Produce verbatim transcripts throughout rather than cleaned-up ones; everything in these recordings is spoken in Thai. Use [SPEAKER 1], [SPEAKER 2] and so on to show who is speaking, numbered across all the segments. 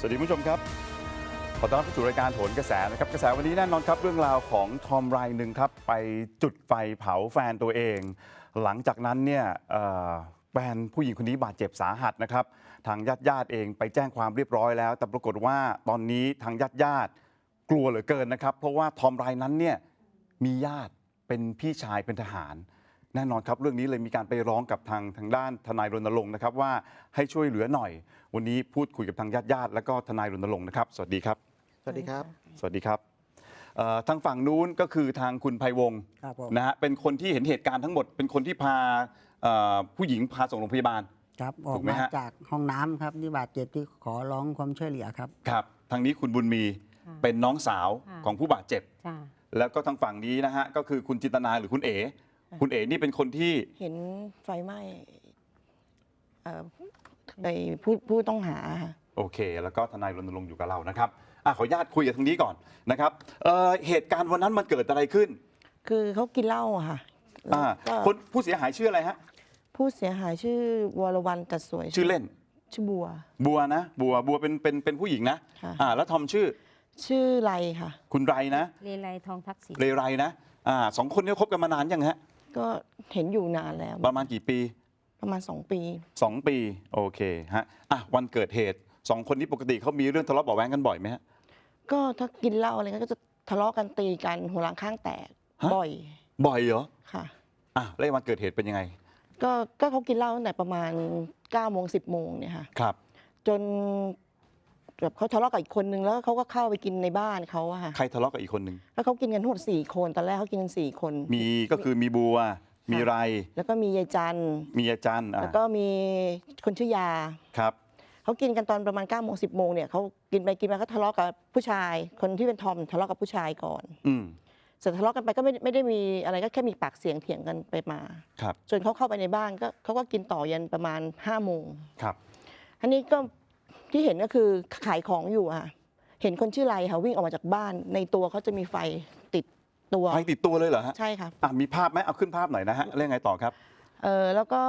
[SPEAKER 1] สวัสดีคุณผู้ชมครับขอต้อนรับเข้าสู่รายการโหนกระแสนะครับกระแสวันนี้แน่นอนครับเรื่องราวของทอมรายหนึ่งครับไปจุดไฟเผาแฟนตัวเอง หลังจากนั้นเนี่ยแฟนผู้หญิงคนนี้บาดเจ็บสาหัสนะครับทางญาติญาติเองไปแจ้งความเรียบร้อยแล้วแต่ปรากฏว่าตอนนี้ทางญาติญาติกลัวเหลือเกินนะครับเพราะว่าทอมรายนั้นเนี่ยมีญาติเป็นพี่ชายเป็นทหารแน่นอนครับเรื่องนี้เลยมีการไปร้องกับทางทางด้านทนายรณรงค์นะครับว่าให้ช่วยเหลือหน่อยวันนี้พูดคุยกับทางญาติญาติและก็ทนายรณรงค์นะครับสวัสดีครับ
[SPEAKER 2] สวัสดีครับ
[SPEAKER 1] สวัสดีครับทางฝั่งนู้นก็คือทางคุณไพวงศ์นะฮะเป็นคนที่เห็นเหตุการณ์ทั้งหมดเป็นคนที่พาผู้หญิงพาส่งโรงพยาบาล
[SPEAKER 2] ครับออกมาจากห้องน้ำครับที่บาดเจ็บที่ขอร้องความช่วยเหลือครับ
[SPEAKER 1] ครับทางนี้คุณบุญมีเป็นน้องสาวของผู้บาดเจ็บแล้วก็ทางฝั่งนี้นะฮะก็คือคุณจินตนาหรือคุณเอ๋คุณเอ๋นี่เป็นคนที่
[SPEAKER 3] เห็นไฟไหม้ในผู้ผู้ต้องหา
[SPEAKER 1] โอเคแล้วก็ทนายรณรงค์อยู่กับเรานะครับอ่ะขออนุญาตคุยกับทางนี้ก่อนนะครับเเหตุการณ์วันนั้นมันเกิดอะไรขึ้น
[SPEAKER 3] คือเขากินเหล้าอะค่ะ
[SPEAKER 1] คนผู้เสียหายชื่ออะไรฮะ
[SPEAKER 3] ผู้เสียหายชื่อวรวรรณจัดสวย
[SPEAKER 1] ชื่อเล่น
[SPEAKER 3] ชื่อบัว
[SPEAKER 1] บัวนะบัวบัวเป็นเป็นเป็นผู้หญิงนะอ่าแล้วทอมชื่อ
[SPEAKER 3] ชื่อไรค่ะ
[SPEAKER 1] คุณไรนะ
[SPEAKER 4] เรไรทองทักษิณ
[SPEAKER 1] เรไรนะอ่าสองคนนี้คบกันมานานยังฮะ
[SPEAKER 3] ก็เห็นอยู่นานแล้ว
[SPEAKER 1] ประมาณกี่ปี
[SPEAKER 3] ประมาณสองปี
[SPEAKER 1] สองปีโอเคฮะอ่ะวันเกิดเหตุสองคนนี้ปกติเขามีเรื่องทะเลาะเบาะแว้งกันบ่อยไหมฮะ
[SPEAKER 3] ก็ถ้ากินเหล้าอะไรก็จะทะเลาะกันตีกันหัวหลังข้างแตกบ่อย
[SPEAKER 1] บ่อยเหรอ
[SPEAKER 3] ค่ะ
[SPEAKER 1] อ่ะแล้ววันเกิดเหตุเป็นยังไง
[SPEAKER 3] ก็ก็เขากินเหล้าตั้งแต่ประมาณเก้าโมงสิบโมงเนี่ยค่ะ
[SPEAKER 1] ครับ
[SPEAKER 3] จนแบบเขาทะเลาะกับอีกคนนึงแล้วเขาก็เข้าไปกินในบ้านเขาอะค่ะ
[SPEAKER 1] ใครทะเลาะกับอีกคนนึง
[SPEAKER 3] แล้วเขากินกันทั้งหมดสี่คนตอนแรกเขากินกันสี่คน
[SPEAKER 1] มีก็คือมีบัวมีไร
[SPEAKER 3] แล้วก็มียายจัน
[SPEAKER 1] มียายจัน
[SPEAKER 3] แล้วก็มีคนชื่อยา
[SPEAKER 1] ครับ
[SPEAKER 3] เขากินกันตอนประมาณเก้าโมงสิบโมงเนี่ยเขากินไปกินมาก็ทะเลาะกับผู้ชายคนที่เป็นทอมทะเลาะกับผู้ชายก่อน
[SPEAKER 1] อืม
[SPEAKER 3] เสร็จทะเลาะกันไปก็ไม่ไม่ได้มีอะไรก็แค่มีปากเสียงเถียงกันไปมา
[SPEAKER 1] ครับ
[SPEAKER 3] จนเขาเข้าไปในบ้านก็เขาก็กินต่อยันประมาณห้าโมง
[SPEAKER 1] ครับ
[SPEAKER 3] อันนี้ก็ที่เห็นก็คือขายของอยู่อะเห็นคนชื่อไรค่ะวิ่งออกมาจากบ้านในตัวเขาจะมีไฟติดตัว
[SPEAKER 1] ไฟติดตัวเลยเหรอฮะ
[SPEAKER 3] ใช่ค่ะ
[SPEAKER 1] อ่ะมีภาพไหมเอาขึ้นภาพหน่อยนะฮะเรื่องไงต่อครับ
[SPEAKER 3] เออแล้วก็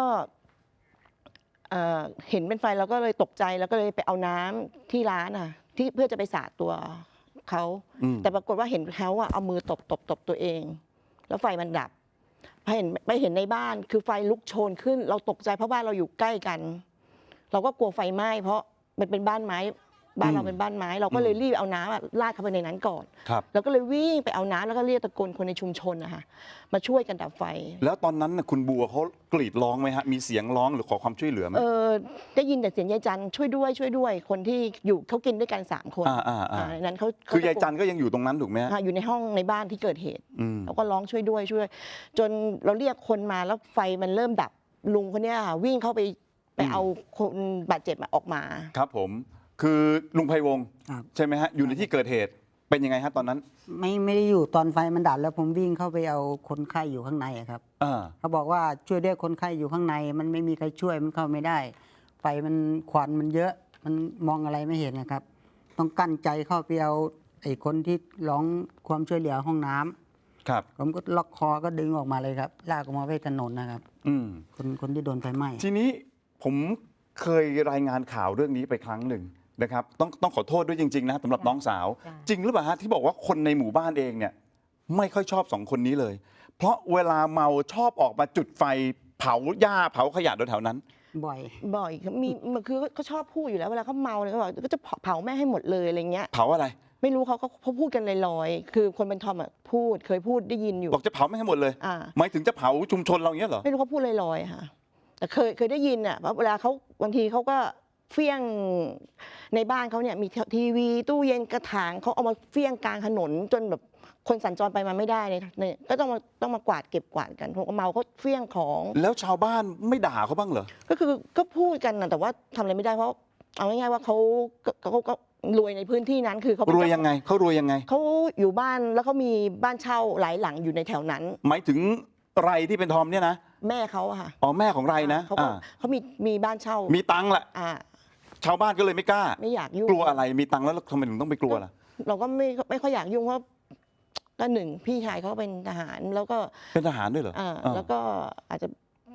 [SPEAKER 3] เห็นเป็นไฟเราก็เลยตกใจแล้วก็เลยไปเอาน้ำที่ร้านอ่ะที่เพื่อจะไปสาดตัวเขาแต่ปรากฏว่าเห็นเขาอ่ะเอามือตบตบตบตัวเองแล้วไฟมันดับไปเห็นไปเห็นในบ้านคือไฟลุกโชนขึ้นเราตกใจเพราะบ้านเราอยู่ใกล้กันเราก็กลัวไฟไหม้เพราะมันเป็นบ้านไม้บ้านเราเป็นบ้านไม้เราก็เลยรีบเอาน้ำราดเข้าไปในนั้นก่อนแล้วก็เลยวิ่งไปเอาน้ำแล้วก็เรียกตะโกนคนในชุมชนนะคะมาช่วยกันดับไฟ
[SPEAKER 1] แล้วตอนนั้นคุณบัวเขากรีดร้องไหมฮะมีเสียงร้องหรือขอความช่วยเหลือไหม
[SPEAKER 3] เออได้ยินแต่เสียงยายจันช่วยด้วยช่วยด้วยคนที่อยู่เขากินด้วยกันสามคน
[SPEAKER 1] อ่าอ่าอ่า
[SPEAKER 3] นั้นเขา
[SPEAKER 1] คือยายจันก็ยังอยู่ตรงนั้นถูกไหมฮะ
[SPEAKER 3] อยู่ในห้องในบ้านที่เกิดเหตุแล้วก็ร้องช่วยด้วยช่วยจนเราเรียกคนมาแล้วไฟมันเริ่มดับลุงคนนี้ค่ะวิ่งเข้าไปไปเอาคนบาดเจ็บออกมา
[SPEAKER 1] ครับผมคือลุงไพวงศ์ใช่ไหมฮะอยู่ในที่เกิดเหตุเป็นยังไงฮะตอนนั้น
[SPEAKER 2] ไม่ไม่ได้อยู่ตอนไฟมันดับแล้วผมวิ่งเข้าไปเอาคนไข้อยู่ข้างในครับเขาบอกว่าช่วยด้วยคนไข้อยู่ข้างในมันไม่มีใครช่วยมันเข้าไม่ได้ไฟมันควันมันเยอะมันมองอะไรไม่เห็นนะครับต้องกั้นใจเข้าไปเอาไอ้คนที่ร้องความช่วยเหลือห้องน้ำ
[SPEAKER 1] ครับ
[SPEAKER 2] ผมก็ล็อกคอก็ดึงออกมาเลยครับลากออกมาไว้ถนนนะครับ
[SPEAKER 1] อืม
[SPEAKER 2] คนคนที่โดนไฟไหม้
[SPEAKER 1] ทีนี้ผมเคยรายงานข่าวเรื่องนี้ไปครั้งหนึ่งนะครับต้องต้องขอโทษด้วยจริงๆนะสำหรับน้องสาวจริงหรือเปล่าฮะที่บอกว่าคนในหมู่บ้านเองเนี่ยไม่ค่อยชอบสองคนนี้เลย เพราะเวลาเมาชอบออกมาจุดไฟเผาหญ้าเผาขยะแถวๆนั้น
[SPEAKER 2] บ่อย
[SPEAKER 3] บ่อยมีคือเขาชอบพูดอยู่แล้วเวลาเขาเมาเลยเขาบอกก็จะเผาแม่ให้หมดเลยอะไรเงี้ย
[SPEAKER 1] เผาอะไร
[SPEAKER 3] ไม่รู้เขาเขาพูดกันลอยๆคือคนเป็นทอมอ่ะพูดเคยพูดได้ยินอยู่
[SPEAKER 1] บอกจะเผาแม่ให้หมดเลยหมายถึงจะเผาชุมชนเราเงี้ยเหรอ
[SPEAKER 3] ไม่รู้เขาพูดลอยๆค่ะแต่เคยเคยได้ยินอ่ะเวลาเขาบางทีเขาก็เฟี้ยงในบ้านเขาเนี่ยมีทีวีตู้เย็นกระถางเขาเอามาเฟี้ยงกลางถนนจนแบบคนสัญจรไปมาไม่ได้เนี่ยก็ต้องมาต้องมากวาดเก็บกวาดกันพวกเมาเขาเฟี้ยงของ
[SPEAKER 1] แล้วชาวบ้านไม่ด่าเขาบ้างเหรอ
[SPEAKER 3] ก็คือก็พูดกันนะแต่ว่าทำอะไรไม่ได้เพราะเอาง่ายๆว่าเขาเขาก็รวยในพื้นที่นั้นคือเขา
[SPEAKER 1] รวยยังไงเขารวยยังไง
[SPEAKER 3] เขาอยู่บ้านแล้วเขามีบ้านเช่าหลายหลังอยู่ในแถวนั้น
[SPEAKER 1] หมายถึงไรที่เป็นทอมเนี่ยนะ
[SPEAKER 3] แม่เขาอะค่ะ
[SPEAKER 1] อ๋อแม่ของไรนะ
[SPEAKER 3] เขาเขามีมีบ้านเช่า
[SPEAKER 1] มีตังค์แหละชาวบ้านก็เลยไม่กล้า
[SPEAKER 3] ไม่อยากยุ่ง
[SPEAKER 1] กลัวอะไรมีตังค์แล้วทำไมถึงต้องไปกลัวล่ะ
[SPEAKER 3] เราก็ไม่ไม่ค่อยอยากยุ่งเพราะก็หนึ่งพี่ชายเขาเป็นทหารแล้วก็
[SPEAKER 1] เป็นทหารด้วยเหรอ
[SPEAKER 3] อ่าแล้วก็อาจจะ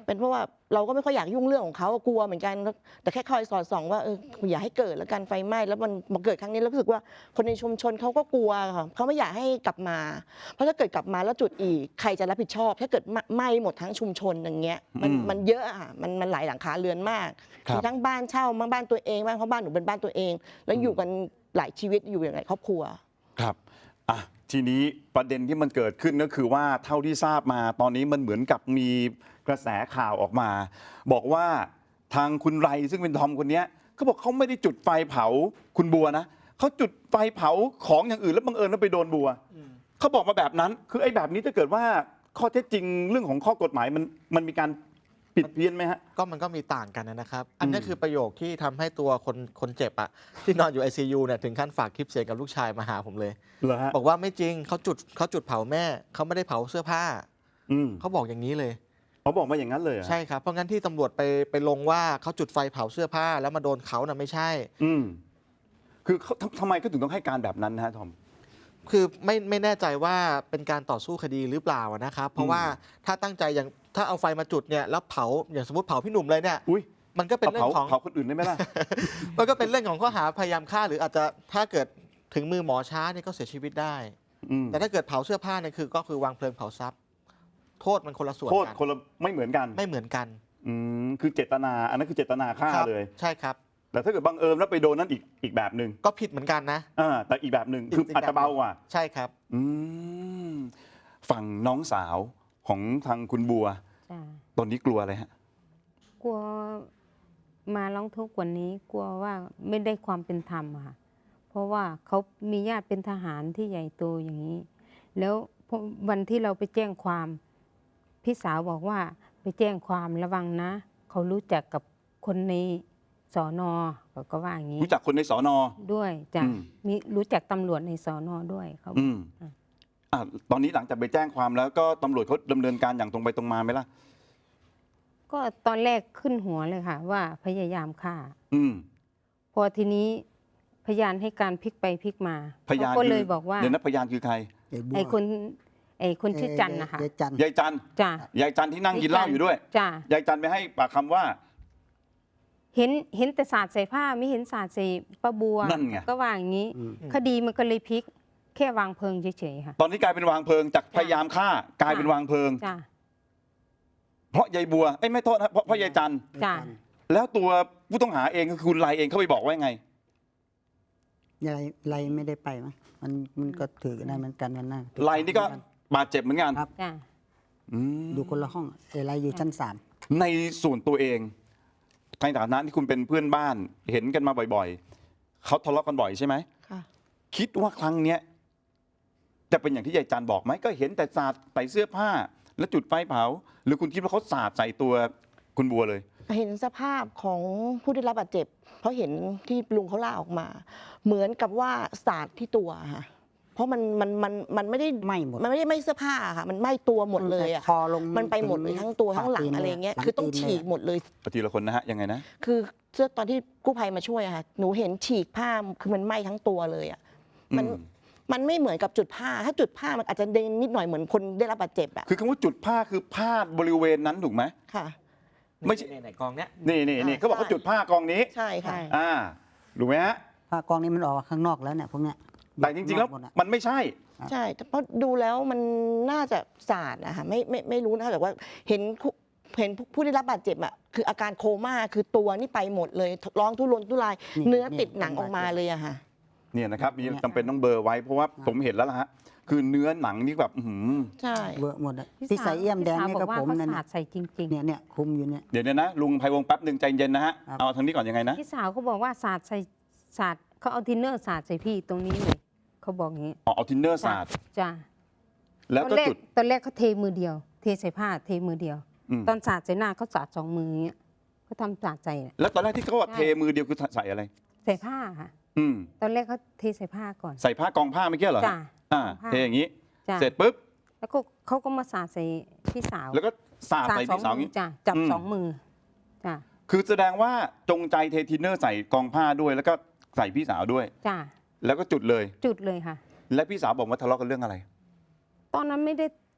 [SPEAKER 3] เป็นเพราะว่าเราก็ไม่ค่อยอยากยุ่งเรื่องของเขากลัวเหมือนกันแต่แค่คอยสอดส่องว่าเอออย่าให้เกิดแล้วกันไฟไหม้แล้วมันมาเกิดครั้งนี้แล้วรู้สึกว่าคนในชุมชนเขาก็กลัวค่ะเขาไม่อยากให้กลับมาเพราะถ้าเกิดกลับมาแล้วจุดอีกใครจะรับผิดชอบ ถ้าเกิดไหม้หมดทั้งชุมชนอย่างเงี้ยมันมันเยอะอ่ะมันมันหลายหลังคาเรือนมากมีทั้งบ้านเช่าบ้านตัวเองบ้านเพราะบ้านหนูเป็นบ้านตัวเอง แล้วอยู่กันหลายชีวิตอยู่อย่างไรครอบครัว
[SPEAKER 1] ครับอ่ะทีนี้ประเด็นที่มันเกิดขึ้นก็คือว่าเท่าที่ทราบมาตอนนี้มันเหมือนกับมีกระแสข่าวออกมา บอกว่าทางคุณไรซึ่งเป็นทอมคนนี้เขาบอกเขาไม่ได้จุดไฟเผาคุณบัวนะเขาจุดไฟเผาของอย่างอื่นแล้วบังเอิญว่าไปโดนบัวเขาบอกมาแบบนั้นคือไอ้แบบนี้ถ้าเกิดว่าข้อเท็จจริงเรื่องของข้อกฎหมายมันมันมีการผิดเพี้ยนไหมฮะ
[SPEAKER 4] ก็มันก็มีต่างกันนะครับอันนี้คือประโยคที่ทำให้ตัวคนคนเจ็บอะที่นอนอยู่ ไอ ซี ยู เนี่ยถึงขั้นฝากคลิปเสียงกับลูกชายมาหาผมเลยบอกว่าไม่จริงเขาจุดเขาจุดเผาแม่เขาไม่ได้เผาเสื้อผ้าเขาบอกอย่างนี้เลย
[SPEAKER 1] เขาบอกมาอย่างนั้นเลย
[SPEAKER 4] ใช่ครับเพราะงั้นที่ตำรวจไปไปลงว่าเขาจุดไฟเผาเสื้อผ้าแล้วมาโดนเขาน่ะไม่ใช่
[SPEAKER 1] อืมคือเขาทำไมเขาถึงต้องให้การแบบนั้นนะฮะทอม
[SPEAKER 4] คือไม่ไม่แน่ใจว่าเป็นการต่อสู้คดีหรือเปล่านะครับเพราะว่าถ้าตั้งใจอย่างถ้าเอาไฟมาจุดเนี่ยแล้วเผาอย่างสมมติเผาพี่หนุ่มเลยเนี่ยมันก็เป็นเรื่องของ
[SPEAKER 1] เผาคนอื่นได้ไหมล่ะ
[SPEAKER 4] มันก็เป็นเรื่องของข้อหาพยายามฆ่าหรืออาจจะถ้าเกิดถึงมือหมอช้าเนี่ยก็เสียชีวิตได้แต่ถ้าเกิดเผาเสื้อผ้าเนี่ยคือก็คือวางเพลิงเผาทรัพย์โทษมันคนละส่วน
[SPEAKER 1] โทษคนละไม่เหมือนกัน
[SPEAKER 4] ไม่เหมือนกัน
[SPEAKER 1] อืมคือเจตนาอันนั้นคือเจตนาฆ่าเลย
[SPEAKER 4] ใช่ครับ
[SPEAKER 1] แต่ถ้าเกิดบังเอิญแล้วไปโดนนั้นอีกอีกแบบหนึ่ง
[SPEAKER 4] ก็ผิดเหมือนกันนะ
[SPEAKER 1] อ่าแต่อีกแบบหนึ่งคืออาจจะเบากว่า
[SPEAKER 4] ใช่ครับ
[SPEAKER 1] อืมฝั่งน้องสาวของทางคุณบัวตอนนี้กลัวอะไรฮะ
[SPEAKER 5] กลัวมาร้องทุกข์วันนี้กลัวว่าไม่ได้ความเป็นธรรมค่ะเพราะว่าเขามีญาติเป็นทหารที่ใหญ่โตอย่างนี้แล้ววันที่เราไปแจ้งความพี่สาวบอกว่าไปแจ้งความระวังนะเขารู้จักกับคนในสอนอเขาก็ว่าอย่างนี้
[SPEAKER 1] รู้จักคนในสอนอ
[SPEAKER 5] ด้วยจ้ะมีรู้จักตำรวจในสอนอด้วยเขา
[SPEAKER 1] อืมอ่าตอนนี้หลังจากไปแจ้งความแล้วก็ตำรวจเขาดำเนินการอย่างตรงไปตรงมาไหมล่ะ
[SPEAKER 5] ก็ตอนแรกขึ้นหัวเลยค่ะว่าพยายามฆ่า
[SPEAKER 1] อืม
[SPEAKER 5] พอทีนี้พยานให้การพลิกไปพลิกมา
[SPEAKER 1] พยาน
[SPEAKER 5] ก็เลยบอกว่า
[SPEAKER 1] เดี๋ยวนะพยานคือใคร
[SPEAKER 5] ไอ้คนไอ้คนชื่อจันนะคะ
[SPEAKER 1] ยายจันยายจันที่นั่งกินเหล้าอยู่ด้วย
[SPEAKER 5] จ้าย
[SPEAKER 1] ายจันไปให้ปากคำว่า
[SPEAKER 5] เห็นเห็นแต่ศาสตร์ใส่ผ้าไม่เห็นศาสตร์ใส่ปะบัว
[SPEAKER 1] นั่นไง
[SPEAKER 5] ก็ว่าอย่างนี้คดีมันก็เลยพลิกแค่วางเพลิงเฉยๆค่ะ
[SPEAKER 1] ตอนนี้กลายเป็นวางเพลิงจากพยายามฆ่ากลายเป็นวางเพลิง
[SPEAKER 5] จ้า
[SPEAKER 1] เพราะยายบัวไอ้ไม่โทษนะเพราะเพราะยายจัน
[SPEAKER 5] จ้า
[SPEAKER 1] แล้วตัวผู้ต้องหาเองก็คือคุณไลเองเขาไปบอกว่าไง
[SPEAKER 2] ยายไลไม่ได้ไปมั้งมันมันก็ถือได้เหมือนกันกันนะ
[SPEAKER 1] ไลนี่ก็บาดเจ็บเหมือนกัน
[SPEAKER 2] ครับอยู่คนละห้องเอไลอยู่ชั้นสาม
[SPEAKER 1] ในส่วนตัวเองในฐานะที่คุณเป็นเพื่อนบ้านเห็นกันมาบ่อยๆเขาทะเลาะกันบ่อยใช่ไหม
[SPEAKER 3] ค่ะ
[SPEAKER 1] คิดว่าครั้งเนี้ยจะเป็นอย่างที่ยายจันบอกไหมก็เห็นแต่สาดใส่เสื้อผ้าแล้วจุดไฟเผาหรือคุณคิดว่าเขาสาดใส่ตัวคุณบัวเลย
[SPEAKER 3] เห็นสภาพของผู้ได้รับบาดเจ็บเพราะเห็นที่ลุงเขาล่าออกมาเหมือนกับว่าสาดที่ตัวค่ะเพราะมันมันมันมันไม่ได้
[SPEAKER 2] ไหม้หมด
[SPEAKER 3] มันไม่ได้ไหม้เสื้อผ้าค่ะมันไหม้ตัวหมดเลยอ่ะมันไปหมดเลยทั้งตัวทั้งหลังอะไรเงี้ยคือต้องฉีกหมดเลย
[SPEAKER 1] ทีละคนนะฮะยังไงนะ
[SPEAKER 3] คือเสื้อตอนที่กู้ภัยมาช่วยค่ะหนูเห็นฉีกผ้าคือมันไหม้ทั้งตัวเลยอ่ะมันมันไม่เหมือนกับจุดผ้าถ้าจุดผ้ามันอาจจะเด้งนิดหน่อยเหมือนคนได้รับบาดเจ็บอ่ะ
[SPEAKER 1] คือคำว่าจุดผ้าคือผ้าบริเวณนั้นถูกไหม
[SPEAKER 3] ค่ะ
[SPEAKER 4] ไม่ใช่ในกองเนี้ย
[SPEAKER 1] นี่นี่นี่เขาบอกเขาจุดผ้ากองนี้
[SPEAKER 3] ใช่ค่ะ
[SPEAKER 1] อ่าถูกไหมฮะ
[SPEAKER 2] ผ้ากองนี้มันออกข้างนอกแล้วเนี่ยพวกเนี้ย
[SPEAKER 1] แต่จริงๆแล้วมันไม่ใช่
[SPEAKER 3] ใช่เพราะดูแล้วมันน่าจะสาดนะคะไม่ไม่ไม่รู้นะแต่ว่าเห็นเห็นผู้ได้รับบาดเจ็บอ่ะคืออาการโคม่าคือตัวนี่ไปหมดเลยร้องทุรนทุรายเนื้อติดหนังออกมาเลยอะค่ะ
[SPEAKER 1] เนี่ยนะครับมีจำเป็นต้องเบอร์ไว้เพราะว่าผมเห็นแล้วล่ะฮะคือเนื้อหนังนี่แบบ
[SPEAKER 3] ใช่
[SPEAKER 2] เบอร์หมดที่ใส่เอี่ยมแดงนี่ก็ผม
[SPEAKER 5] นั่นใส่จริงๆ
[SPEAKER 2] เนี่ยเนี่ยคุมอยู่เนี่ย
[SPEAKER 1] เดี๋ยวเนี่ยนะลุงไพวงศ์แป๊บหนึ่งใจเย็นนะฮะเอาทางนี้ก่อนยังไงนะ
[SPEAKER 5] พี่สาวเขาบอกว่าศาสตร์ใส่ศาสตร์เขาเอาทินเนอร์ศาสตร์ใส่พี่ตรงนี้เลยเขาบอกอย่างนี้
[SPEAKER 1] อ๋อเอาทินเนอร์ศาสตร์
[SPEAKER 5] จ้า
[SPEAKER 1] แล้วก็จุด
[SPEAKER 5] ตอนแรกเขาเทมือเดียวเทใส่ผ้าเทมือเดียวตอนศาสตร์ใส่หน้าเขาศาสตร์สองมือเงี้ยเขาทำศาสตร์ใส่
[SPEAKER 1] แล้วตอนแรกที่เขาว่าเทมือเดียวคือใส่อะไร
[SPEAKER 5] ใส่ผ้าค่ะตอนแรกเขาเทใส่ผ้าก่อน
[SPEAKER 1] ใส่ผ้ากองผ้าไม่เกี่ยวเหรอ
[SPEAKER 5] จ้า
[SPEAKER 1] อ่าเทอย่างนี้เสร็จปุ๊บ
[SPEAKER 5] แล้วก็เขาก็มาสาดใส่พี่สาว
[SPEAKER 1] แล้วก็สาดใส่พี่สาวนี้
[SPEAKER 5] จ้ะจับสองมือจ้ะ
[SPEAKER 1] คือแสดงว่าจงใจเททินเนอร์ใส่กองผ้าด้วยแล้วก็ใส่พี่สาวด้วย
[SPEAKER 5] จ้ะ
[SPEAKER 1] แล้วก็จุดเลย
[SPEAKER 5] จุดเลยค่ะ
[SPEAKER 1] และพี่สาวบอกว่าทะเลาะกันเรื่องอะไร
[SPEAKER 5] ตอนนั้นไม่ได้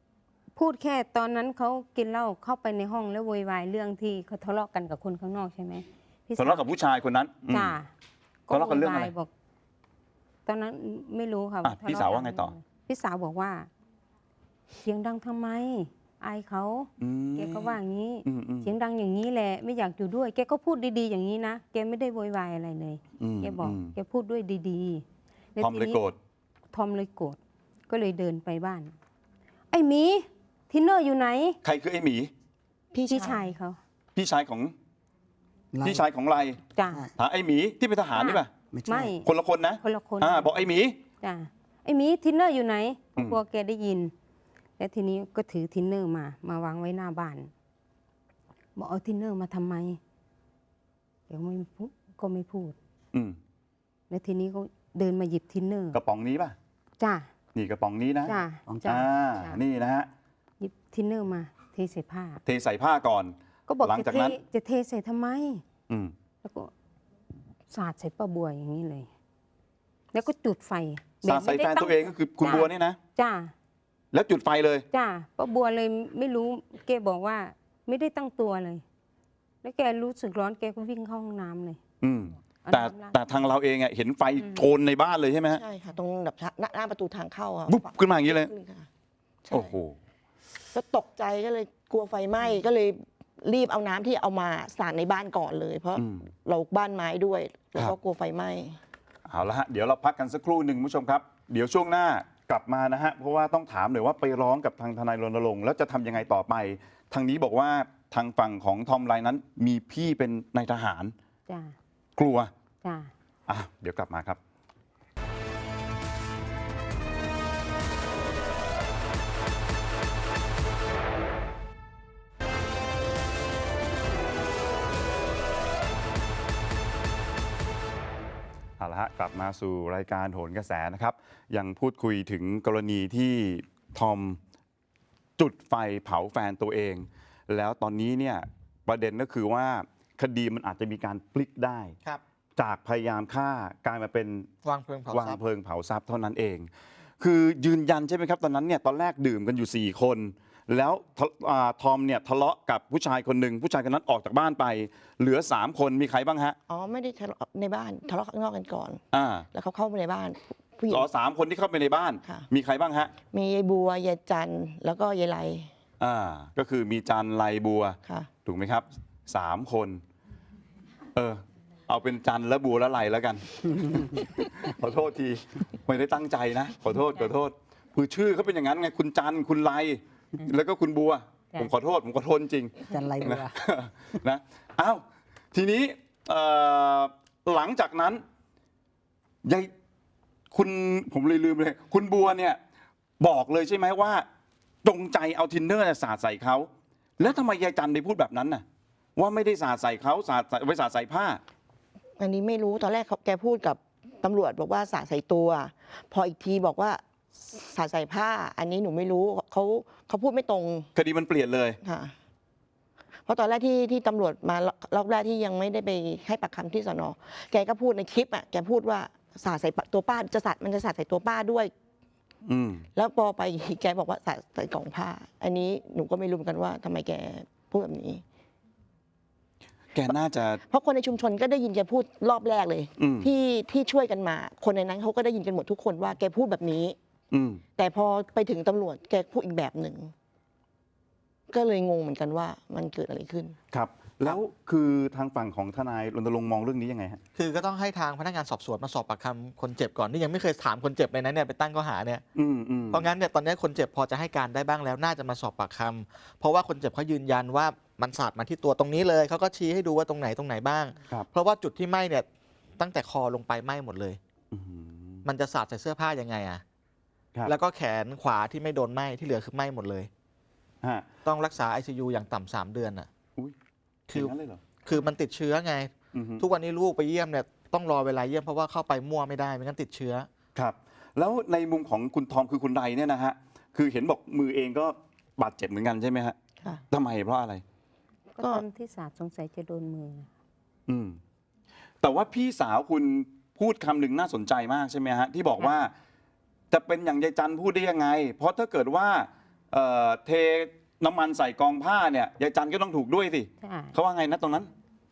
[SPEAKER 5] พูดแค่ตอนนั้นเขากินเหล้าเข้าไปในห้องแล้วโวยวายเรื่องที่เขาทะเลาะกันกับคนข้างนอกใช่ไหมพี่ส
[SPEAKER 1] ทะเลาะกับผู้ชายคนนั้นอืม
[SPEAKER 5] จ้า
[SPEAKER 1] ทะเลาะกันเรื่องอะไร
[SPEAKER 5] โวยวายบอก ตอนนั้นไม่รู้ค่ะ
[SPEAKER 1] อ่ะ
[SPEAKER 5] ทะเล
[SPEAKER 1] พี่สาวว่าไงต่อ
[SPEAKER 5] พี่สาวบอกว่า เสียงดังทำไมอายเขา
[SPEAKER 1] อืม
[SPEAKER 5] แกก็ว่าอย่างนี้
[SPEAKER 1] อืมอืม
[SPEAKER 5] เสียงดังอย่างนี้แหละไม่อยากอยู่ด้วย แกก็พูดดีๆอย่างนี้นะแกไม่ได้โวยวายอะไรเลย
[SPEAKER 1] ม
[SPEAKER 5] แกบอก
[SPEAKER 1] ม
[SPEAKER 5] แกพูดด้วยดีๆแล้ว
[SPEAKER 1] ทอมเลย
[SPEAKER 5] ทีนี้
[SPEAKER 1] โกรธ
[SPEAKER 5] ทอมเลยโกรธก็เลยเดินไปบ้าน ไอ้หมีทินเนอร์อยู่ไหน
[SPEAKER 1] ใครคือไอ้หมี
[SPEAKER 3] พี่
[SPEAKER 5] พี่
[SPEAKER 3] ชา
[SPEAKER 5] ชาย ยเขา
[SPEAKER 1] พี่ชายของ
[SPEAKER 2] ไล่
[SPEAKER 1] พี่ชายของไร
[SPEAKER 5] จ้า
[SPEAKER 1] หาไอ้หมีที่เป็นทหารนี่ป่ะ
[SPEAKER 2] ไม่ใช่
[SPEAKER 5] ไม่
[SPEAKER 1] คนละคนนะ
[SPEAKER 5] คนละคน
[SPEAKER 1] อ่าบอกไอ้หมี
[SPEAKER 5] จ้าไอ้หมีทินเนอร์อยู่ไหน
[SPEAKER 1] อืม
[SPEAKER 5] กลัวแกได้ยิน แล้วทีนี้ก็ถือทินเนอร์มา มาวางไว้หน้าบ้าน บอกเอาทินเนอร์มาทำไมแกก็ไม่พูดก็ไม่พูด
[SPEAKER 1] อืม
[SPEAKER 5] แล้วทีนี้ก็เดินมาหยิบทินเนอร์
[SPEAKER 1] กระป๋องนี้ป่ะ
[SPEAKER 5] จ้า
[SPEAKER 1] นี่กระป๋องนี้นะ
[SPEAKER 5] จ้า
[SPEAKER 2] ของ
[SPEAKER 5] จ้า
[SPEAKER 1] อ่า
[SPEAKER 5] จ้า
[SPEAKER 1] นี่นะฮะ
[SPEAKER 5] หยิบทินเนอร์มาเทใส่ผ้า
[SPEAKER 1] เทใส่ผ้าก่อน
[SPEAKER 5] ก็บอก
[SPEAKER 1] หลัง
[SPEAKER 5] จะ
[SPEAKER 1] จาก
[SPEAKER 5] เท
[SPEAKER 1] นั้น
[SPEAKER 5] จะเทใส่ทำไม
[SPEAKER 1] อืม
[SPEAKER 5] แล้วก็สาดใส่ป้าบัวอย่างนี้เลย แล้วก็จุดไฟ
[SPEAKER 1] สาดใส่
[SPEAKER 5] ไม่
[SPEAKER 1] แฟ
[SPEAKER 5] ได้
[SPEAKER 1] นตัวเองก็คือคุณ
[SPEAKER 5] จ้ะ
[SPEAKER 1] บัวเนี่ยนะ
[SPEAKER 5] จ้า
[SPEAKER 1] แล้วจุดไฟเลย
[SPEAKER 5] จ้าป้าบัวเลยไม่รู้แกบอกว่าไม่ได้ตั้งตัวเลย แล้วแกรู้สึกร้อนแกก็วิ่งเข้าห้องน้ำเลย
[SPEAKER 1] อืม
[SPEAKER 5] เอา
[SPEAKER 1] แต่
[SPEAKER 5] น้ำราด
[SPEAKER 1] แต่ทางเราเองอะเห็นไฟโชนในบ้านเลยใช่ไหมฮะ
[SPEAKER 3] ใช่ค่ะ ตรงแบบหน้าหน้าประตูทางเข้าอ่ะ
[SPEAKER 1] บุ๊บขึ้นมาอย่างนี้เลย
[SPEAKER 3] ขึ้ค่ะใช่
[SPEAKER 1] โอ้โห
[SPEAKER 3] ก็ตกใจก็เลยกลัวไฟไหม้ก็เลยรีบเอาน้ำที่เอามาสาดในบ้านก่อนเลย เพราะ
[SPEAKER 1] อืม
[SPEAKER 3] เราบ้านไม้ด้วย แล้ว
[SPEAKER 1] ครั
[SPEAKER 3] ก็
[SPEAKER 1] บ
[SPEAKER 3] กลัวไฟไหม้
[SPEAKER 1] เอาละฮะเดี๋ยวเราพักกันสักครู่หนึ่งคุณผู้ชมครับ เดี๋ยวช่วงหน้ากลับมานะฮะเพราะว่าต้องถามหน่อยว่าไปร้องกับทางทนายรณรงค์แล้วจะทำยังไงต่อไป ทางนี้บอกว่าทางฝั่งของทอมไลน์นั้น มีพี่เป็นนายทหาร
[SPEAKER 5] จ้าก
[SPEAKER 1] ลัว
[SPEAKER 5] จ้า
[SPEAKER 1] อ่ะเดี๋ยวกลับมาครับ เอาละฮะกลับมาสู่รายการโหนกระแสนะครับ ยังพูดคุยถึงกรณีที่ทอมจุดไฟเผาแฟนตัวเอง แล้วตอนนี้เนี่ยประเด็นก็คือว่าคดีมันอาจจะมีการพลิกได้
[SPEAKER 4] ครับ
[SPEAKER 1] จากพยายามฆ่ากลายมาเป็น
[SPEAKER 4] วางเพลิงเผาว
[SPEAKER 1] าง
[SPEAKER 4] ทรัพย์
[SPEAKER 1] เพลิงเผาทรัพย์เท่านั้นเอง คือยืนยันใช่ไหมครับตอนนั้นเนี่ยตอนแรกดื่มกันอยู่ 4 คน แล้วทะอ่าทอมเนี่ยทะเลาะกับผู้ชายคนหนึ่งผู้ชายคนนั้นออกจากบ้านไป เหลือ 3 คนมีใครบ้างฮะ
[SPEAKER 3] อ๋อไม่ได้ทะเลาะในบ้านทะเลาะข้างนอกกันก่อน
[SPEAKER 1] อ่า
[SPEAKER 3] แล้วเขาเข้ามาในบ้าน ผู้หญิง
[SPEAKER 1] อ๋อสามคนที่เข้าไปในบ้าน
[SPEAKER 3] ค่ะ
[SPEAKER 1] มีใครบ้างฮะ
[SPEAKER 3] มียายบัวยายจันทร์แล้วก็ยายไล
[SPEAKER 1] อ่าก็คือมีจันไลบัว
[SPEAKER 3] ค่ะ
[SPEAKER 1] ถูกไหมครับสามคน เออ เอาเป็นจันและบัวและไลแล้วกัน ขอโทษที ไม่ได้ตั้งใจนะ ขอโทษขอโทษคือชื่อเขาเป็นอย่างนั้นไงคุณจันคุณไลแล้วก็คุณบัว ผมขอโทษ ผมขอโทษจริง
[SPEAKER 2] จันไรบัว
[SPEAKER 1] นะ นะอ้าวทีนี้เอ่อหลังจากนั้นยายคุณผมเลยลืมเลย คุณบัวเนี่ยบอกเลยใช่ไหมว่าจงใจเอาทินเนอร์เนี่ยสาดใส่เขาแล้วทำไมยายจันไปพูดแบบนั้นน่ะ ว่าไม่ได้สาดใส่เขาสาดใส่ไว้สาดใส่ผ้า
[SPEAKER 3] อันนี้ไม่รู้ตอนแรกเขาแกพูดกับตำรวจบอกว่าสาดใส่ตัว พออีกทีบอกว่าสาดใส่ผ้า อันนี้หนูไม่รู้เขาเขาพูดไม่ตรง
[SPEAKER 1] คดีมันเปลี่ยนเลย
[SPEAKER 3] ค่ะ เพราะตอนแรกที่ที่ตำรวจมารอบแรกที่ยังไม่ได้ไปให้ปากคำที่สนแกก็พูดในคลิปอ่ะแกพูดว่าสาดใส่ตัวป้าจะสาดมันจะสาดใส่ตัวป้าด้วย
[SPEAKER 1] อืม
[SPEAKER 3] แล้วพอไปอีกแกบอกว่าสาดใส่กล่องผ้า อันนี้หนูก็ไม่รู้เหมือนกันว่าทำไมแกพูดแบบนี้
[SPEAKER 1] แกน่าจะ
[SPEAKER 3] เพราะคนในชุมชนก็ได้ยินแกพูดรอบแรกเลย
[SPEAKER 1] อืม
[SPEAKER 3] ที่ที่ช่วยกันมา คนในนั้นเขาก็ได้ยินกันหมดทุกคนว่าแกพูดแบบนี้
[SPEAKER 1] อืม
[SPEAKER 3] แต่พอไปถึงตำรวจแกพูดอีกแบบหนึ่ง ก็เลยงงเหมือนกันว่ามันเกิดอะไรขึ้น
[SPEAKER 1] ครับ แล้วคือทางฝั่งของทนายรณรงค์มองเรื่องนี้ยังไงฮะ
[SPEAKER 4] คือก็ต้องให้ทางพนักงานสอบสวนมาสอบปากคำคนเจ็บก่อนนี่ยังไม่เคยถามคนเจ็บเลยนะเนี่ยไปตั้งข้อหาเนี่ย
[SPEAKER 1] อืมอืม
[SPEAKER 4] เพราะงั้นเนี่ยตอนนี้คนเจ็บพอจะให้การได้บ้างแล้วน่าจะมาสอบปากคำเพราะว่าคนเจ็บเขายืนยันว่ามันสาดมาที่ตัวตรงนี้เลยเขาก็ชี้ให้ดูว่าตรงไหนตรงไหนบ้าง
[SPEAKER 1] ครับ
[SPEAKER 4] เพราะว่าจุดที่ไหม้เนี่ยตั้งแต่คอลงไปไหม้หมดเลย
[SPEAKER 1] อืม
[SPEAKER 4] มันจะสาดใส่เสื้อผ้ายังไงอะ
[SPEAKER 1] ครับ
[SPEAKER 4] แล้วก็แขนขวาที่ไม่โดนไหม้ที่เหลือคือไหม้หมดเลย
[SPEAKER 1] ฮะ
[SPEAKER 4] ต้องรักษา ไอ ซี ยู อย่างต่ำสามเดือนอ่ะ
[SPEAKER 1] อุ้ย
[SPEAKER 4] คือ
[SPEAKER 1] ย่างนั้นเลยเหรอ
[SPEAKER 4] คือมันติดเชื้อไง
[SPEAKER 1] อือฮึ
[SPEAKER 4] ทุกวันนี้ลูกไปเยี่ยมเนี่ยต้องรอเวลาเยี่ยมเพราะว่าเข้าไปมั่วไม่ได้ไม่งั้นติดเชื้อ
[SPEAKER 1] ครับ แล้วในมุมของคุณทอมคือคุณใดเนี่ยนะฮะ คือเห็นบอกมือเองก็บาดเจ็บเหมือนกันใช่ไหมฮะ
[SPEAKER 3] ค่ะ
[SPEAKER 1] ทำไมเพราะอะไร
[SPEAKER 5] ก็ตอนที่สาดสงสัยจะโดนมือ
[SPEAKER 1] อืม แต่ว่าพี่สาวคุณพูดคำหนึ่งน่าสนใจมากใช่ไหมฮะ ที่บอกว่า จะเป็นอย่างยายจันพูดได้ยังไง เพราะถ้าเกิดว่าเอ่อเทน้ำมันใส่กองผ้าเนี่ยยายจันก็ต้องถูกด้วยสิ
[SPEAKER 5] ใช่
[SPEAKER 1] เขาว่าไงนะตรงนั้น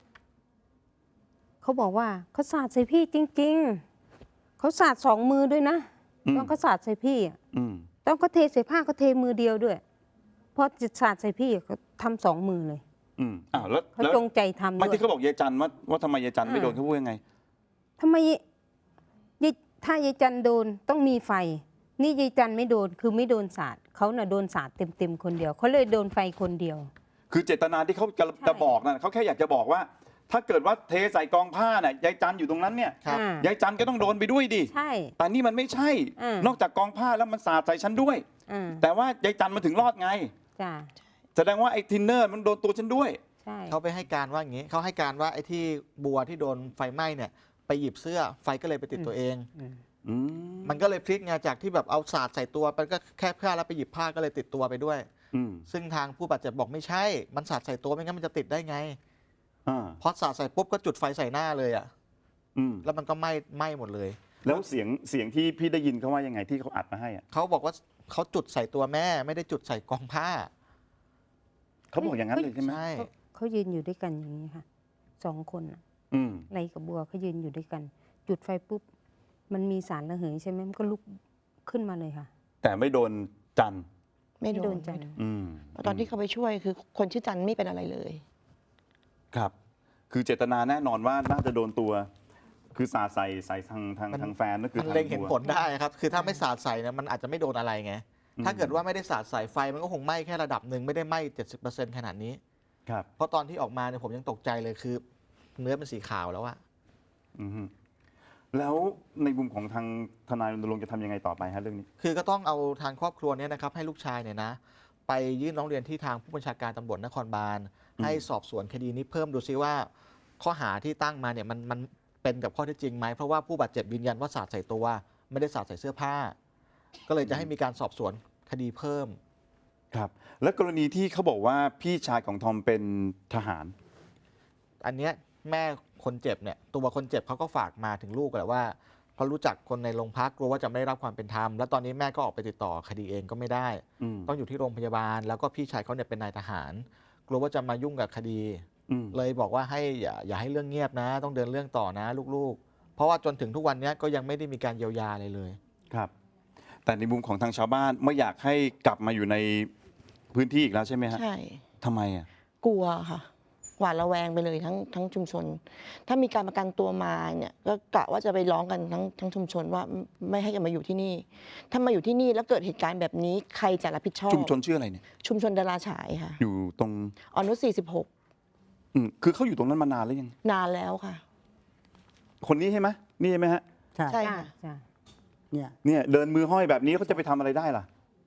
[SPEAKER 5] เขาบอกว่าเขาสาดใส่พี่จริง ๆเขาสาดสองมือด้วยนะ
[SPEAKER 1] อืม
[SPEAKER 5] ตอนเขาสาดใส่พี่อะ
[SPEAKER 1] อืม
[SPEAKER 5] ตอนเขาเทใส่ผ้าเขาเทมือเดียวด้วยพอจะสาดใส่พี่เขาทำสองมือเลย
[SPEAKER 1] อืมอ้าวแล้ว
[SPEAKER 5] เขา
[SPEAKER 1] แล้ว
[SPEAKER 5] จงใจทำ
[SPEAKER 1] ไม่
[SPEAKER 5] ด้วย
[SPEAKER 1] ที่เขาบอกยายจันว่าว่าทำไมยายจันไม่โดนเขาพูดยังไง
[SPEAKER 5] ทำไมยายถ้ายายจันโดนต้องมีไฟ นี่ยายจันไม่โดนคือไม่โดนสาดเขาน่ะโดนสาดเต็มๆคนเดียวเขาเลยโดนไฟคนเดียว
[SPEAKER 1] คือเจตนาที่เขาจะ
[SPEAKER 5] ใช่
[SPEAKER 1] จะบอกนั่นเขาแค่อยากจะบอกว่า ถ้าเกิดว่าเทใส่กองผ้าเนี่ยยายจันอยู่ตรงนั้นเนี่ย
[SPEAKER 4] ครับ
[SPEAKER 5] อ่าย
[SPEAKER 1] ายจันก็ต้องโดนไปด้วยดิ
[SPEAKER 5] ใช่
[SPEAKER 1] แต่นี่มันไม่ใช่
[SPEAKER 5] อืม
[SPEAKER 1] นอกจากกองผ้าแล้วมันสาดใส่ฉันด้วย
[SPEAKER 5] อ่า
[SPEAKER 1] แต่ว่ายายจันมันถึงรอดไง
[SPEAKER 5] จ้า
[SPEAKER 1] แสดงว่าไอ้ทินเนอร์มันโดนตัวฉันด้วย
[SPEAKER 5] ใช่
[SPEAKER 4] เขาไปให้การว่าอย่างนี้เขาให้การว่าไอ้ที่บัวที่โดนไฟไหม้เนี่ยไปหยิบเสื้อไฟก็เลยไปติดตัวเอง
[SPEAKER 5] อืม
[SPEAKER 1] อืม
[SPEAKER 4] มันก็เลยพลิกไงจากที่แบบเอาสาดใส่ตัวมันก็แค่ผ้าแล้วไปหยิบผ้าก็เลยติดตัวไปด้วย
[SPEAKER 1] อืม
[SPEAKER 4] ซึ่งทางผู้บาดเจ็บบอกไม่ใช่ มันสาดใส่ตัวไม่งั้นมันจะติดได้ไง
[SPEAKER 1] อ่า
[SPEAKER 4] พอสาดใส่ปุ๊บก็จุดไฟใส่หน้าเลยอ่ะ
[SPEAKER 1] อืม
[SPEAKER 4] แล้วมันก็ไหม้ไหม้หมดเลย
[SPEAKER 1] แล้วเสียงเสียงที่พี่ได้ยินเขาว่ายังไงที่เขาอัดมาให้อะ
[SPEAKER 4] เขาบอกว่าเขาจุดใส่ตัวแม่ไม่ได้จุดใส่กองผ้า
[SPEAKER 1] เขาบอกอย่างนั้นเลยใช่ไหม
[SPEAKER 4] ใช่
[SPEAKER 5] เขาเขายืนอยู่ด้วยกันอย่างนี้ค่ะสองคนน่ะ
[SPEAKER 1] อืม
[SPEAKER 5] ไรกับบัวเขายืนอยู่ด้วยกัน จุดไฟปุ๊บมันมีสารระเหยใช่ไหมมันก็ลุกขึ้นมาเลยค่ะ
[SPEAKER 1] แต่ไม่โดนจัน
[SPEAKER 3] ไม่
[SPEAKER 5] ไม่
[SPEAKER 3] โด
[SPEAKER 5] โด
[SPEAKER 3] น
[SPEAKER 5] นจัน
[SPEAKER 1] อืม
[SPEAKER 3] ตอนที่เขาไปช่วยคือคนชื่อจันไม่เป็นอะไรเลย
[SPEAKER 1] ครับ คือเจตนาแน่นอนว่าน่าจะโดนตัว คือสาดใส่ใส่ทางทาง
[SPEAKER 4] มัน
[SPEAKER 1] ทางแฟนก็คือ
[SPEAKER 4] มัน
[SPEAKER 1] ทาง
[SPEAKER 4] เล็งเห็น
[SPEAKER 1] บัว
[SPEAKER 4] ผลได้ครับ คือถ้าไม่สาดใส่เนี่ยมันอาจจะไม่โดนอะไรไง
[SPEAKER 1] อืม
[SPEAKER 4] ถ้าเกิดว่าไม่ได้สาดใส่ไฟมันก็คงไหม้แค่ระดับหนึ่งไม่ได้ไหม้เจ็ดสิบเปอร์เซ็นต์ขนาดนี้
[SPEAKER 1] ครับ
[SPEAKER 4] เพราะตอนที่ออกมาเนี่ยผมยังตกใจเลยคือ เนื้อเป็นสีขาวแล้วอะ
[SPEAKER 1] อืมฮึแล้วในมุมของทางทนายรณรงค์จะทำยังไงต่อไปฮะเรื่องนี้
[SPEAKER 4] คือก็ต้องเอาทางครอบครัวเนี่ยนะครับให้ลูกชายเนี่ยนะไปยื่นร้องเรียนที่ทางผู้บัญชาการตำรวจนครบาล
[SPEAKER 1] อืม
[SPEAKER 4] ให้สอบสวนคดีนี้เพิ่มดูซิว่า ข้อหาที่ตั้งมาเนี่ยมันมันเป็นกับข้อเท็จจริงไหมเพราะว่าผู้บาดเจ็บยืนยันว่าสาดใส่ตัว ไม่ได้สาดใส่เสื้อผ้า ก็เลยจะให้มีการสอบสวนคดีเพิ่ม
[SPEAKER 1] ครับ แล้วกรณีที่เขาบอกว่าพี่ชายของทอมเป็นทหาร
[SPEAKER 4] อันเนี้ยแม่คนเจ็บเนี่ยตัวคนเจ็บเขาก็ฝากมาถึงลูกแหละว่าเขารู้จักคนในโรงพักกลัวว่าจะไม่ได้รับความเป็นธรรมแล้วตอนนี้แม่ก็ออกไปติดต่อคดีเองก็ไม่ได้
[SPEAKER 1] อืม
[SPEAKER 4] ต้องอยู่ที่โรงพยาบาล แล้วก็พี่ชายเขาเนี่ยเป็นนายทหาร กลัวว่าจะมายุ่งกับคดี
[SPEAKER 1] อืม
[SPEAKER 4] เลยบอกว่าให้อย่าอย่าให้เรื่องเงียบนะ ต้องเดินเรื่องต่อนะลูกๆ เพราะว่าจนถึงทุกวันนี้ก็ยังไม่ได้มีการเยียวยาอะไรเลย
[SPEAKER 1] ครับ แต่ในมุมของทางชาวบ้านไม่อยากให้กลับมาอยู่ในพื้นที่อีกแล้วใช่ไหมฮะ
[SPEAKER 3] ใช่
[SPEAKER 1] ทำไมอ่ะ
[SPEAKER 3] กลัวค่ะหวาดระแวงไปเลยทั้งทั้งชุมชน ถ้ามีการประกันตัวมาเนี่ยก็กะว่าจะไปร้องกันทั้งทั้งชุมชนว่าไม่ให้กันมาอยู่ที่นี่ ถ้ามาอยู่ที่นี่แล้วเกิดเหตุการณ์แบบนี้ใครจะรับผิดชอบ
[SPEAKER 1] ชุมชนชื่ออะไรเนี่ย
[SPEAKER 3] ชุมชนดาราฉายค่ะ
[SPEAKER 1] อยู่ตรง
[SPEAKER 3] อนุสี่สิบหก
[SPEAKER 1] อืมคือเขาอยู่ตรงนั้นมานานแล้วยัง
[SPEAKER 3] นานแล้วค่ะ
[SPEAKER 1] คนนี้ใช่ไหมนี่ใช่ไหมฮะ
[SPEAKER 2] ใช่
[SPEAKER 3] ใช่
[SPEAKER 5] จ้า
[SPEAKER 3] ค่ะ
[SPEAKER 5] จ้า
[SPEAKER 2] เนี่ย
[SPEAKER 1] เนี่ยเดินมือห้อยแบบนี้เขาจะไปทำอะไรได้ล่ะ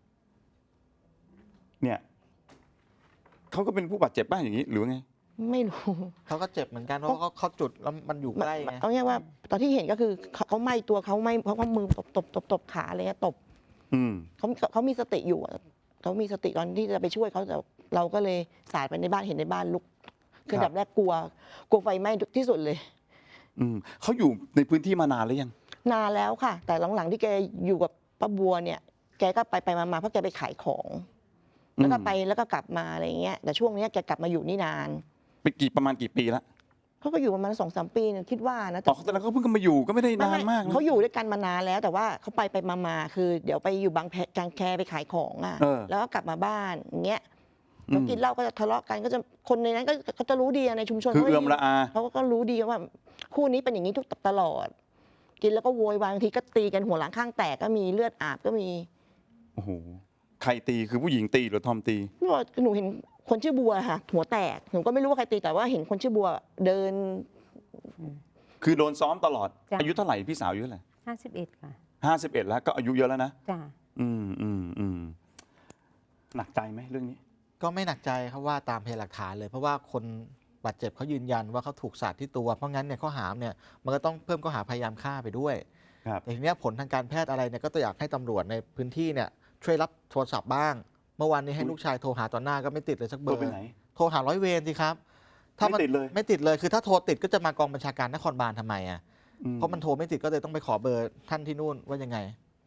[SPEAKER 1] เนี่ยเขาก็เป็นผู้บาดเจ็บบ้างอย่างนี้หรือไง
[SPEAKER 3] ไม่รู้
[SPEAKER 4] เขาก็เจ็บเหมือนกันเพราะว่าเขาเขาจุดแล้วมันอยู่ใกล้ไง
[SPEAKER 3] เอาง่ายๆว่าตอนที่เห็นก็คือเขาเขาไหม้ตัวเขาไหม้เพราะเขามือตบตบตบตบขาอะไรเงี้ยตบ
[SPEAKER 1] อืม
[SPEAKER 3] เขาเขามีสติอยู่อะเขามีสติตอนที่จะไปช่วยเขาแต่เราก็เลยสาดไปในบ้านเห็นในบ้านลุกคือ
[SPEAKER 1] ครับ
[SPEAKER 3] อันดับแรกกลัวกลัวไฟไหม้ที่สุดเลย
[SPEAKER 1] อืมเขาอยู่ในพื้นที่มานานหรือยัง
[SPEAKER 3] นานแล้วค่ะ แต่หลังๆที่แกอยู่กับป้าบัวเนี่ย แกก็ไปไปมาๆเพราะแกไปขายของ แล้วก็ไปแล้วก็กลับมาอะไรเงี้ยแต่ช่วงเนี้ยแกกลับมาอยู่นี่นาน
[SPEAKER 1] ไปกี่ประมาณกี่ปีแล้ว
[SPEAKER 3] เขาก็อยู่ประมาณสองสามปีเนี่ยคิดว่านะ
[SPEAKER 1] อ๋อแต่แล้วเขาเพิ่งมาอยู่ก็ไม่ได้นานมากนะ
[SPEAKER 3] เขาอยู่ด้วยกันมานานแล้ว แต่ว่าเขาไปไปมามาคือ เดี๋ยวไปอยู่บางแพกางแคไปขายของอ่ะ
[SPEAKER 1] เออ
[SPEAKER 3] แล้วก็กลับมาบ้านอย่างเงี้ย
[SPEAKER 1] อืม
[SPEAKER 3] แล้วกินเหล้าก็จะทะเลาะกันก็จะคนในนั้นก็เขาจะรู้ดีอะในชุมชน
[SPEAKER 1] คือ
[SPEAKER 3] ขาก็
[SPEAKER 1] เอื้อมละอา
[SPEAKER 3] เขาก็รู้ดีว่าคู่นี้เป็นอย่างนี้ทุกตลอด กินแล้วก็โวยวายบางทีก็ตีกันหัวหลังข้างแตกก็มีเลือดอาบก็มี
[SPEAKER 1] โอ้โหใครตีคือผู้หญิงตีหรือทอมตี
[SPEAKER 3] หนูบอกหนูเห็นคนชื่อบัวค่ะ หัวแตกหนูก็ไม่รู้ว่าใครตีแต่ว่าเห็นคนชื่อบัวเดิน
[SPEAKER 1] คือโดนซ้อมตลอด
[SPEAKER 5] จ้ะ
[SPEAKER 1] อายุเท่าไหร่พี่สาวอายุเท่าไหร่
[SPEAKER 5] ห้าสิบเอ็ดค่ะ
[SPEAKER 1] ห้าสิบเอ็ดแล้วก็อายุเยอะแล้วนะ
[SPEAKER 5] จ้า
[SPEAKER 1] อืมอืมอืมหนักใจไหมเรื่องนี้
[SPEAKER 4] ก็ไม่หนักใจครับว่าตามพยานหลักฐานเลย เพราะว่าคนบาดเจ็บเขายืนยันว่าเขาถูกสาดที่ตัว เพราะงั้นเนี่ยข้อหาเนี่ยมันก็ต้องเพิ่มข้อหาพยายามฆ่าไปด้วย
[SPEAKER 1] ครับ
[SPEAKER 4] แต่ทีเนี้ยผลทางการแพทย์อะไรเนี่ยก็อยากให้ตำรวจในพื้นที่เนี่ยช่วยรับโทรศัพท์บ้าง เมื่อวานนี้ให้ลูกชายโทรหาตอนหน้าก็ไม่ติดเลยสักเบอ
[SPEAKER 1] ตัว
[SPEAKER 4] ร์
[SPEAKER 1] ไปไหน
[SPEAKER 4] โทรหาร้อยเวรสิครับถ้า
[SPEAKER 1] ไม่ติดเลย
[SPEAKER 4] ไม่ติดเลยคือถ้าโทรติดก็จะมากองบัญชาการนครบาลทำไมอ่ะ
[SPEAKER 1] อื
[SPEAKER 4] เพราะมันโทรไม่ติดก็เลยต้องไปขอเบอร์ท่านที่นู่นว่ายังไง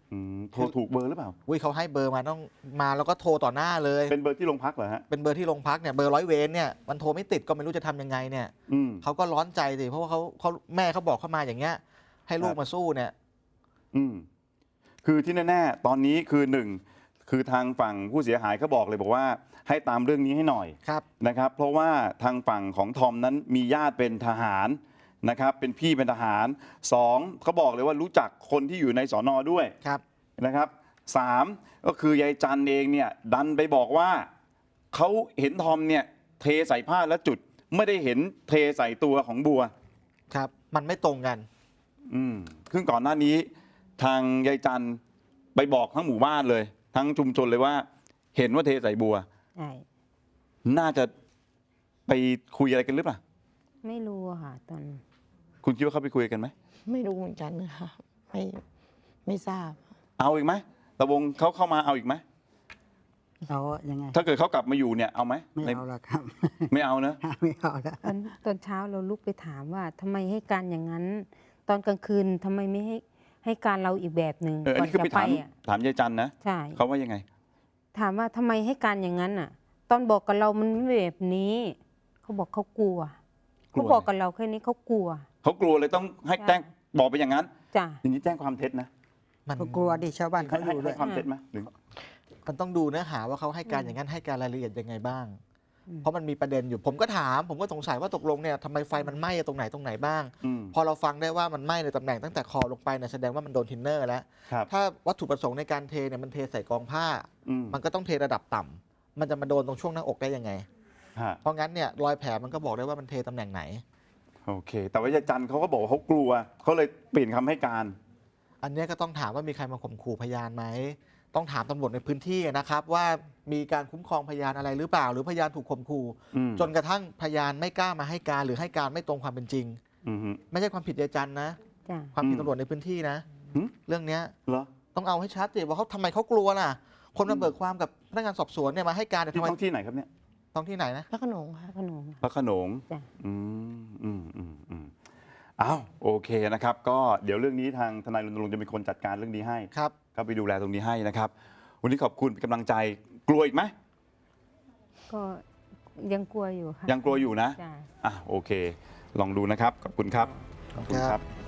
[SPEAKER 1] อืมโทรถูกเบอร์หรือเปล่า
[SPEAKER 4] อุ้ยเขาให้เบอร์มาต้องมาแล้วก็โทรต่อหน้าเลย
[SPEAKER 1] เป็นเบอร์ที่โรงพักเหรอฮะ
[SPEAKER 4] เป็นเบอร์ที่โรงพักเนี่ยเบอร์ร้อยเวรเนี่ยมันโทรไม่ติดก็ไม่รู้จะทำยังไงเนี่ย
[SPEAKER 1] อืม
[SPEAKER 4] เขาก็ร้อนใจสิเพราะว่าเขาเขาแม่เขาบอกเข้ามาอย่างเงี้ยให้ลู
[SPEAKER 1] ค
[SPEAKER 4] ก
[SPEAKER 1] รับ
[SPEAKER 4] มาสู้เนี่ย
[SPEAKER 1] อืมคือที่แน่ๆตอนนี้คือหนึ่งคือทางฝั่งผู้เสียหายเขาบอกเลยบอกว่าให้ตามเรื่องนี้ให้หน่อย
[SPEAKER 4] ครับ
[SPEAKER 1] นะครับ เพราะว่าทางฝั่งของทอมนั้นมีญาติเป็นทหารนะครับ เป็นพี่เป็นทหารสองเขาบอกเลยว่ารู้จักคนที่อยู่ในสอนอด้วย
[SPEAKER 4] ครับ
[SPEAKER 1] นะครับสามก็คือยายจันเองเนี่ยดันไปบอกว่าเขาเห็นทอมเนี่ยเทใส่ผ้าแล้วจุดไม่ได้เห็นเทใส่ตัวของบัว
[SPEAKER 4] ครับมันไม่ตรงกัน
[SPEAKER 1] อืมซึ่งก่อนหน้านี้ทางยายจันไปบอกทั้งหมู่บ้านเลย ทั้งชุมชนเลยว่า เห็นว่าเทใส่บัว
[SPEAKER 5] ใช่
[SPEAKER 1] น่าจะไปคุยอะไรกันหรือเปล่า
[SPEAKER 5] ไม่รู้อะค่ะตอน
[SPEAKER 1] คุณคิดว่าเขาไปคุยกันไหม
[SPEAKER 3] ไม่รู้เหมือนกันค่ะไม่ไม่ทราบ
[SPEAKER 1] เอาอีกไหมตะวงเขาเข้ามาเอาอีกไหม
[SPEAKER 2] เอายังไง
[SPEAKER 1] ถ้าเกิดเขากลับมาอยู่เนี่ยเอาไหม
[SPEAKER 2] ไม่
[SPEAKER 1] ใน
[SPEAKER 2] เอาละครับ
[SPEAKER 1] ไม่เอานะ
[SPEAKER 2] ไม่เอาละ
[SPEAKER 5] ตอนตอนเช้าเราลุกไปถามว่าทำไมให้การอย่างนั้น ตอนกลางคืนทำไมไม่ให้ให้การเราอีกแบบหนึ่ง
[SPEAKER 1] เอออัน
[SPEAKER 5] ก่อน
[SPEAKER 1] นี้คือ
[SPEAKER 5] จะ
[SPEAKER 1] ไป
[SPEAKER 5] ไป
[SPEAKER 1] ถาม
[SPEAKER 5] อ่ะ
[SPEAKER 1] ถามยายจันนะ
[SPEAKER 5] ใช่
[SPEAKER 1] เขาว่ายังไง
[SPEAKER 5] ถามว่าทำไมให้การอย่างนั้นอ่ะ ตอนบอกกับเรามันไม่แบบนี้ เขาบอกเขากลัว
[SPEAKER 1] กลัว
[SPEAKER 5] เขาบอกกับเราแค่นี้เขากลัว
[SPEAKER 1] เขากลัวเลยต้องให้แจ้งบอกไปอย่างนั้น
[SPEAKER 5] จ้ะ
[SPEAKER 1] อย่างนี้แจ้งความเท็จนะ
[SPEAKER 4] มัน
[SPEAKER 2] ก็กลัวดิชาวบ้าน
[SPEAKER 1] ให้
[SPEAKER 2] เขาอ
[SPEAKER 1] ให้
[SPEAKER 2] ยู่ด้
[SPEAKER 1] ให้
[SPEAKER 2] วย
[SPEAKER 1] ความเท็จไหมหรือ
[SPEAKER 4] มันต้องดูเนื้อหาว่าเขาให้การอย่างนั้นให้การรายละเอียดยังไงบ้าง
[SPEAKER 5] อืม
[SPEAKER 4] เพราะมันมีประเด็นอยู่ผมก็ถาม ผมก็สงสัยว่าตกลงเนี่ยทำไมไฟมันไหม้ตรงไหนตรงไหนบ้าง
[SPEAKER 1] อืม
[SPEAKER 4] พอเราฟังได้ว่ามันไหม้ในตำแหน่งตั้งแต่คอลงไปเนี่ยแสดงว่ามันโดนทินเนอร์แล้ว
[SPEAKER 1] ครับ
[SPEAKER 4] ถ้าวัตถุประสงค์ในการเทเนี่ยมันเทใส่กองผ้า
[SPEAKER 1] อืม
[SPEAKER 4] มันก็ต้องเทระดับต่ำมันจะมาโดนตรงช่วงหน้าอกได้ยังไง
[SPEAKER 1] ฮะ
[SPEAKER 4] เพราะงั้นเนี่ยรอยแผลมันก็บอกได้ว่ามันเทตำแหน่งไหน
[SPEAKER 1] โอเค แต่ว่ายายจันเขาก็บอกว่าเขากลัวเขาเลยเปลี่ยนคำให้การ
[SPEAKER 4] อันเนี้ยก็ต้องถามว่ามีใครมาข่มขู่พยานไหม ต้องถามตำรวจในพื้นที่นะครับ ว่ามีการคุ้มครองพยานอะไรหรือเปล่า หรือพยานถูกข่มขู่
[SPEAKER 1] อืม
[SPEAKER 4] จนกระทั่งพยานไม่กล้ามาให้การหรือให้การไม่ตรงความเป็นจริง
[SPEAKER 1] อืมฮึ
[SPEAKER 4] ไม่ใช่ความผิดยายจันนะ
[SPEAKER 5] จ้ะ
[SPEAKER 4] ความผิด
[SPEAKER 1] อืม
[SPEAKER 4] ตำรวจในพื้นที่นะ
[SPEAKER 1] หึ
[SPEAKER 4] เรื่องเนี้ย
[SPEAKER 1] เหรอ
[SPEAKER 4] ต้องเอาให้ชัดสิว่าเขาทำไมเขากลัวล่ะ คนมาเบิกความกับพนักงานสอบสวนเนี่ยมาให้การเนี่ย
[SPEAKER 1] ที่
[SPEAKER 4] ทำไม
[SPEAKER 1] ท้องที่ไหนครับเนี่ย
[SPEAKER 4] ต้องที่ไหนนะ
[SPEAKER 3] พระโขนงค่ะ
[SPEAKER 5] พระโขนง
[SPEAKER 1] พระโขนง
[SPEAKER 5] จ้ะ
[SPEAKER 1] อืมอืมอืมอืมอ้าวโอเคนะครับ ก็เดี๋ยวเรื่องนี้ทางทนายรณรงค์จะเป็นคนจัดการเรื่องนี้ให้
[SPEAKER 4] ครับ
[SPEAKER 1] ก็ไปดูแลตรงนี้ให้นะครับ วันนี้ขอบคุณเป็นกำลังใจกลัวอีกไหม
[SPEAKER 5] ก็ยังกลัวอยู่ค่ะ
[SPEAKER 1] ยังกลัวอยู่นะ
[SPEAKER 5] จ้ะ
[SPEAKER 1] อ่ะโอเค ลองดูนะครับ ขอบคุณครับ
[SPEAKER 4] ขอบคุณครับ